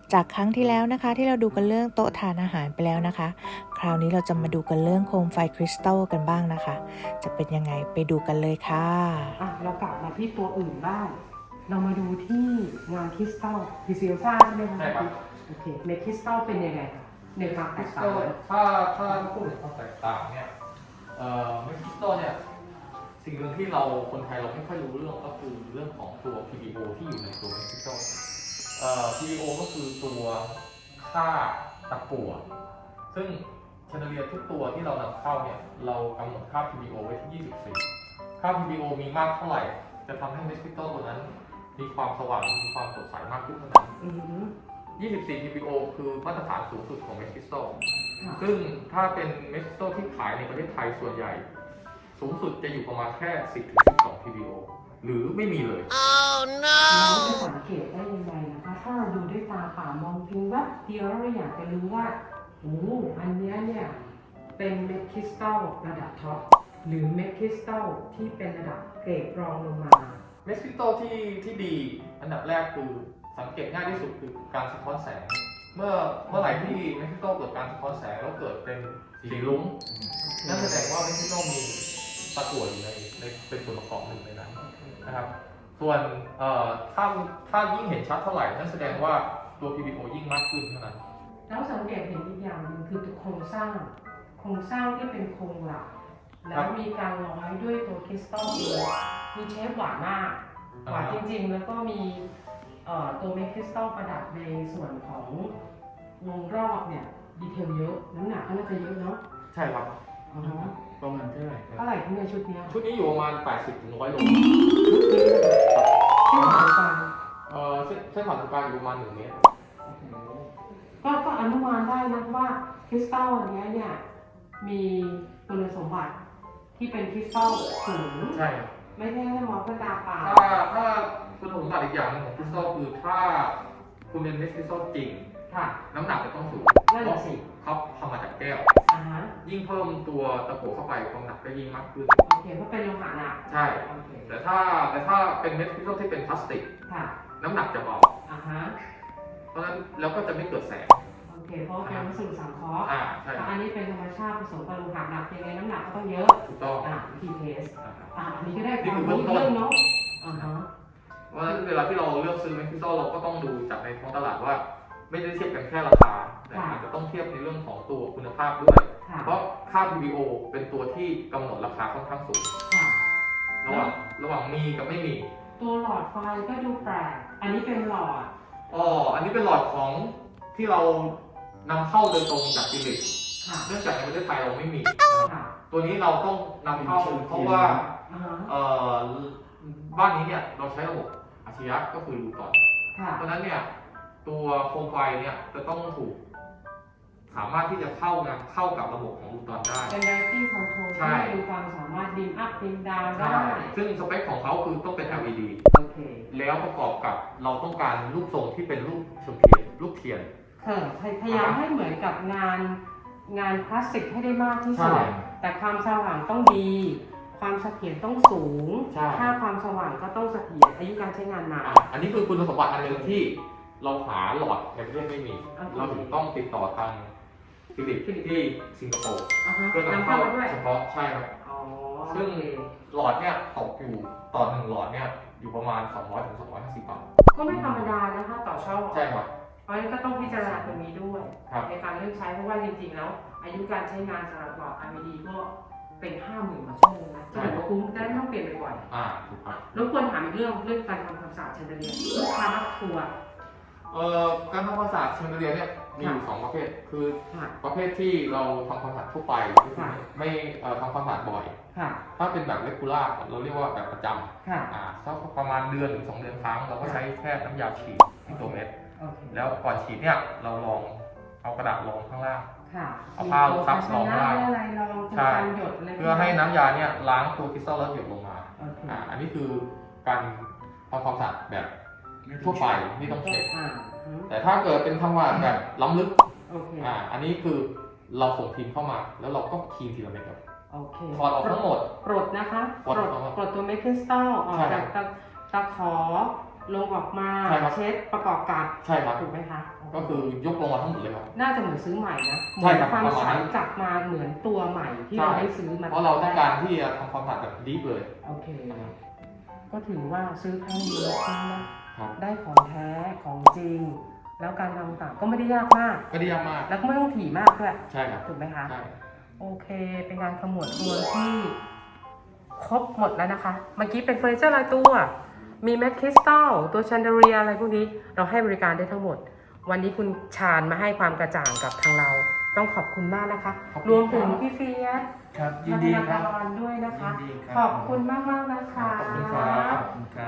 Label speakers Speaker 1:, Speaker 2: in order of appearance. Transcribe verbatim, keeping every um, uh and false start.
Speaker 1: จากครั้งที่แล้วนะคะที่เราดูกันเรื่องโต๊ะทานอาหารไปแล้วนะคะคราวนี้เราจะมาดูกันเรื่องโคมไฟคริสตัลกันบ้างนะคะจะเป็นยังไงไปดูกันเลยค่ะ
Speaker 2: อ่ะเรากลับมาที่ตัวอื่นบ้างเรามาดูที่งานคริสตัลพิเซลซ่าใช่ไหมคะ
Speaker 3: ใช่ครับ
Speaker 2: โอเคเมคคริสตัลเป็นยังไงคะในความแต
Speaker 3: คริ
Speaker 2: ก
Speaker 3: ส
Speaker 2: ต่า
Speaker 3: ตั
Speaker 2: ง
Speaker 3: ลถ้าถ้าพูดถึงความแตกต่างเนี่ยเอ่อเมคคริสตัลเนี่ยสิ่งหนึ่งที่เราคนไทยเราไม่ค่อยรู้เรื่องก็คือเรื่องของตัว พี บี โอ ที่อยู่ในตัวเมคคริสตัลเอ่อ พี บี โอ ก็คือตัวค่าตะกั่วซึ่งแชนเดเลียทุกตัวที่เรานำเข้าเนี่ยเรากำหนดค่า พี บี โอ ไว้ที่ ยี่สิบสี่ ค่า พี บี โอ มีมากเท่าไหร่จะทำให้เมคคริสตัลตัวนั้นมีความสว่างมีความสดใสมากขึ้นเท่านั้น
Speaker 2: อือหือ
Speaker 3: ยี่สิบสี่ พี บี โอ คือมาตรฐานสูงสุดของเมคคริสตัล
Speaker 2: ค่ะ
Speaker 3: ซึ่งถ้าเป็นเมคคริสตัลที่ขายในประเทศไทยส่วนใหญ่ สูงสุดจะอยู่ประมาณแค่ สิบถึงสิบสอง พี บี โอ หรือไม่มีเลย
Speaker 2: เราจะสังเกตได้ยังไงนะคะถ้าเราดูด้วยตาเปล่ามองเพียงแวบเดียวแล้วเราอยากจะรู้ว่าโอ้อันเนี้ยเนี่ยเป็นเมคคริสตัลระดับท็อปหรือเมคคริสตัลที่เป็นระดับเกรดรองลงมา
Speaker 3: เมคคริสตัลที่ที่ดีอันดับแรกคือสังเกตง่ายที่สุดคือการสะท้อนแสง เมื่อเมื่อไหร่ที่เมคคริสตัลเกิดการสะท้อนแสงแล้วเกิดเป็นสีลุ้งนั่นแสดงว่าเมคคริสตัลมีตะกั่วอยู่ในในเป็นส่วนประกอบหนึ่งในนั้นนะครับส่วนเอ่อถ้าถ้ายิ่งเห็นชัดเท่าไหร่นั่นแสดงว่าตัว พี บี โอ ยิ่งมากขึ้นเท่านั้น
Speaker 2: แล้วสังเกตเห็นอีกอย่างหนึ่งคือตัวโครงสร้าง โครงสร้างที่เป็นโครงหลักแล้วมีการร้อยด้วยตัวคริสตัลเองคือเชฟหวานมากหวานจริงๆแล้วก็มีเอ่อตัวเมคคริสตัลประดับในส่วนของวงรอบเนี่ยดีเทลเยอะน้ำหนักก็น่าจะเยอะเนาะ
Speaker 3: ใช่ครับ
Speaker 2: อ๋อฮะ
Speaker 4: ประมาณเท่าไหร่ครับ
Speaker 2: เท่าไหร่ที่ในชุดเนี้ย
Speaker 3: ชุดนี้อยู่ประมาณ แปดสิบถึงหนึ่งร้อย โล
Speaker 2: ชุดนี้ที่หมายความ
Speaker 3: เอ่อเส้นเส้นผ่านศูนย์กลางอยู่ประมาณหนึ่งเมตร
Speaker 2: ก็ก็อนุมานได้นะว่าคริสตัลอันเนี้ยเนี่ยมีคุณสมบัติที่เป็นคริสตัลสูง
Speaker 3: ใช่
Speaker 2: ไม่ใช่แค่มองด้วยตาเปล่า
Speaker 3: ถ้าถ้าคุณสมบัติอีกอย่างหนึงของคริสตัลคือถ้าคุณเป็นเม็ดคริสตัลจริง
Speaker 2: ค่ะ
Speaker 3: น้ำหนักจะต้องสูง
Speaker 2: นั่นแหละสิ
Speaker 3: เขาทำมาจากแก้ว
Speaker 2: อ่าฮะ
Speaker 3: ยิ่งเพิ่มตัวตะกั่วเข้าไปความหนักก็ยิ่งมากขึ้น
Speaker 2: โอเคเพราะเป็นโลหะหนัก
Speaker 3: ใช่
Speaker 2: โอเค
Speaker 3: แต่ถ้าแต่ถ้าเป็นเม็ดคริสตัลที่เป็นพลาสติก
Speaker 2: ค่ะ
Speaker 3: น้ำหนักจะเบา
Speaker 2: อ่าฮะ
Speaker 3: เพราะฉะนั้นแล้วก็จะไม่เกิดแสง
Speaker 2: โอเคเพราะว่าเป็นวัสดุสังเคราะห์
Speaker 3: อ่าใช่
Speaker 2: แต่อันนี้เป็นธรรมชาติผสมกับโลหะหนักยังไงน้ำหนักก็ต้องเยอะ
Speaker 3: ถูกต้อง
Speaker 2: อ่าวิธีเทส
Speaker 3: อ่า
Speaker 2: อ่าอันนี้ก็ได้ค
Speaker 3: นี่
Speaker 2: วาม
Speaker 3: คือ
Speaker 2: รู้
Speaker 3: เบื้องต้น
Speaker 2: เรื่องเนาะอ่าฮะ
Speaker 3: เพราะฉะนั้นเวลาที่เราเลือกซื้อเม็ดคริสตัลเราก็ต้องดูจากในท้องตลาดว่า ไม่ได้เทียบกันแค่ราคาแต่อาจจะต้องเทียบในเรื่องของตัวคุณภาพด้วย
Speaker 2: ค่ะ
Speaker 3: เพราะค่า พี บี โอ เป็นตัวที่กำหนดราคาค่อนข้างสูง
Speaker 2: ค่ะ
Speaker 3: ระหว่างระหว่างมีกับไม่มี
Speaker 2: ตัวหลอดไฟก็ดูแปลกอันนี้เป็นหลอด
Speaker 3: อ๋ออันนี้เป็นหลอดของที่เรานำเข้าโดยตรงจากฟิลิปปินส์
Speaker 2: ค่ะ
Speaker 3: เนื่องจากในประเทศไทยเราไม่มีนะครับ
Speaker 2: ค่ะ
Speaker 3: ตัวนี้เราต้องนำเข้าเพราะว่า
Speaker 2: อ่าฮะ
Speaker 3: เอ่อบ้านนี้เนี่ยเราใช้ระบบอัจฉริยะก็คือรูตอน
Speaker 2: ค่ะ
Speaker 3: เพราะฉะนั้นเนี่ยตัวโคมไฟเนี่ยจะต้องถูก สามารถที่จะเข้างานเข้ากับระบบของรูตอนได้
Speaker 2: เป็น lighting control
Speaker 3: ใช่
Speaker 2: ที่มีความสามารถดิมอัพดิมดาวได้
Speaker 3: ซึ่งสเปคของเขาคือต้องเป็น แอล อี ดี
Speaker 2: โอเค
Speaker 3: แล้วประกอบกับเราต้องการรูปทรงที่เป็นรูปเทียนรูปเทียน
Speaker 2: เออพยพยายามให้เหมือนกับงานงานคลาสสิกให้ได้มากที่สุด
Speaker 3: ใช่
Speaker 2: แต่ความสว่างต้องดี ความเสถียรต้องสูง
Speaker 3: ใช่
Speaker 2: ค่าความสว่างก็ต้องเสถียรอายุการใช้งานนาน
Speaker 3: อ่ะอันนี้คือคุณสมบัติอันหนึ่งที่เราหาหลอดในประเทศไม่มี
Speaker 2: โอเค
Speaker 3: เราถึงต้องติดต่อทางฟิลิปปินส์ที่สิงคโปร์
Speaker 2: อ่าฮะ
Speaker 3: เพื่อนำ
Speaker 2: นำ
Speaker 3: เข้า
Speaker 2: เข้ามาด้วย
Speaker 3: เฉพาะใช่ครับ
Speaker 2: อ๋อ
Speaker 3: ซึ่ง
Speaker 2: โอเค
Speaker 3: หลอดเนี่ยตกอยู่ต่อหนึ่งหลอดเนี่ยอยู่ประมาณ สองร้อยถึงสองร้อยห้าสิบบาท
Speaker 2: ก็ไม่ธรรมดานะคะต่อช่อง
Speaker 3: ใช่ครับ
Speaker 2: เพราะฉะนั้นก็ต้องพิจารณาตรงนี้ด้วย
Speaker 3: ครับ
Speaker 2: ในการเลือกใช้เพราะว่าจริงๆแล้ว อายุการใช้งานสำหรับหลอด อาร์ วี ดี ก็เป็นห้าหมื่นกว่าชั่วโมงนะจะถือว่าคุ้มได้ไม่ต้องเปลี่ยนบ่อย
Speaker 3: อ่าถูกครับ
Speaker 2: ๆรบกวนถามอีกเรื่องเรื่องการทำความสะอาดแชนเดเลียร์ลูกค้ามักทัวร์
Speaker 3: เอ่อการทำความสะอาดแชนเดเลียร์เนี่ยมีอยู่สองประเภท คือ
Speaker 2: ค่ะ
Speaker 3: ประเภทที่เราทำความสะอาดทั่วไปก็คือไม่เอ่อทำความสะอาดบ่อย
Speaker 2: ค่ะ
Speaker 3: ถ้าเป็นแบบเรกูล่าเราเรียกว่าแบบประจ
Speaker 2: ค่ะ
Speaker 3: ำอ่าสักประมาณเดือนหรือสองเดือนครั้ง เราก็ใช้แค่น้ำยาฉีดที่ตัวเม็ด
Speaker 2: โอเค
Speaker 3: แล้วก่อนฉีดเนี่ยเราลองเอากระดาษรองข้างล่าง
Speaker 2: ค่ะ
Speaker 3: เอาผ้าซับรอง
Speaker 2: มี
Speaker 3: ได้
Speaker 2: โภชนะอะไรรอง
Speaker 3: ใช่
Speaker 2: การหยดอะไร
Speaker 3: เพื่อให้น้ำยาเนี่ยล้างตัวคริสตัลแล้วหยดลงมา
Speaker 2: โอเค
Speaker 3: อ่าอันนี้คือการทำความสะอาดแบบทั่วไปไม่ต้องเช็ด
Speaker 2: อ่าอืม
Speaker 3: แต่ถ้าเกิดเป็นทำความสะอาดแบบล้ำลึก
Speaker 2: โอเค
Speaker 3: อ่าอันนี้คือเราส่งทีมเข้ามา แล้วเราก็คลีนทีละเม็ดครับ
Speaker 2: โอเค
Speaker 3: ถอดออกทั้งหมด
Speaker 2: ปลดนะคะ
Speaker 3: ปลด
Speaker 2: ปลด
Speaker 3: ออกมา
Speaker 2: ปลดตัวเมคคริสตัลออก
Speaker 3: ใช่
Speaker 2: จากตะตะขอลงออกมา
Speaker 3: ใช่ครับ
Speaker 2: เช็ดประกอบกับ
Speaker 3: ใช่ครับ
Speaker 2: ถูกไหมคะ
Speaker 3: ก็คือยกลงมาทั้งหมดเลยครับ
Speaker 2: น่าจะเหมือนซื้อใหม่นะเห
Speaker 3: ใช่
Speaker 2: มือน
Speaker 3: ครับ
Speaker 2: ความ
Speaker 3: ประมาณ
Speaker 2: ใส
Speaker 3: นั้น
Speaker 2: กลับมาเหมือนตัวใหม่ที่
Speaker 3: ใช่
Speaker 2: เราได้ซื้อมา
Speaker 3: เพราะเราต้องการที่จะทำความสะอาดแบบดีฟเลย
Speaker 2: โอเค ก็ถือว่าซื้อครั้งเดียวคุ้มนะ
Speaker 3: ครับ
Speaker 2: ได้ของแท้ของจริง แล้วการทำต่างก็ไม่ได้ยากมาก
Speaker 3: ก็ดีมาก
Speaker 2: แล้วก็ไม่ต้องถี่มากด้วย
Speaker 3: ใช่ครับ
Speaker 2: ถูกไหมคะ
Speaker 3: ใช่
Speaker 2: โอเค เป็นการขมวดรวมที่ครบหมดแล้วนะคะ เมื่อกี้เป็นเฟอร์นิเจอร์รายตัว มีแมทคริสตัลตัวแชนเดอเรียอะไรพวกนี้ เราให้บริการได้ทั้งหมด วันนี้คุณชาญมาให้ความกระจ่างกับทางเรา ต้องขอบคุณมากนะคะ
Speaker 3: ขอบคุณ
Speaker 2: รวมถึงพี่เฟียส
Speaker 4: ครับยินดีครับ
Speaker 2: ธนาคารด้วยนะคะ
Speaker 4: ยินดีครับ
Speaker 2: ขอบคุณมากมากๆนะคะ
Speaker 3: ขอบคุณครับ
Speaker 4: ขอบคุณครับ